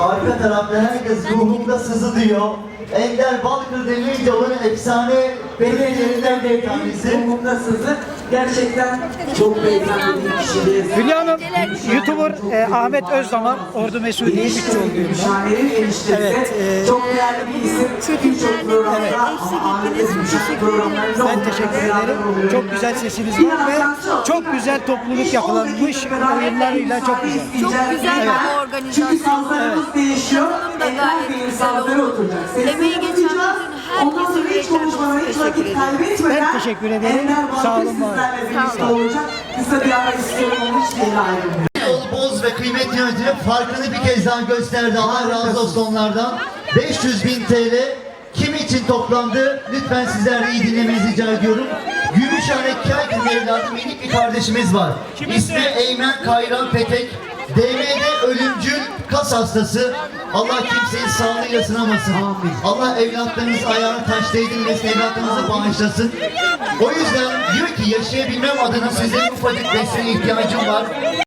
Arka tarafta herkes ruhumda sızı diyor. Ender Balkır demeyince onun efsane belediyelerinden bir tanesi. Ruhumda sızı gerçekten çok beyefendi bir kişiliği. Hülya Hanım, YouTuber Ahmet Özdamar, Ordu Mesudi Bütçü oluyor. Evet. Çok değerli bir isim. Birçok programda ama Ahmet Özgür'ün programlarında Ben teşekkür ederim. Çok güzel sesiniz var ve çok güzel topluluk yapılanmış oyunlarıyla çok güzel. Çok güzel bir organizasyon. Çünkü sazlarımız değişiyor. Sunum da gayet Ender Bey'in güzel sazları oldu. oturacak. Emeği geçen bütün Ondan herkese sonra hiç yürekten konuşmadan, hiç teşekkür vakit ederim. kaybetmeden Ben teşekkür ederim. Ender Balkır Sağ olun, var olun. sizlerle birlikte olacak. Kısa bir ara istiyorum, onun hiçbir yere ayrılmıyor. Yol Boz ve kıymetli yönetimi farkını bir kez daha gösterdi. Allah razı olsun onlardan. 500.000 TL kim için toplandı? Lütfen sizler de iyi dinlemenizi rica ediyorum. Gümüşhane Kaykın evladı minik bir kardeşimiz var. İsmi Eymen Kayran Petek. DM'de ölümcül kas hastası. Allah kimseyi sağlığıyla sınamasın. Allah evlatlarınız ayağını taş değdirmesin, evlatlarınızı bağışlasın. O yüzden diyor ki yaşayabilmem adına sizlerin ufacık desteğe ihtiyacım var.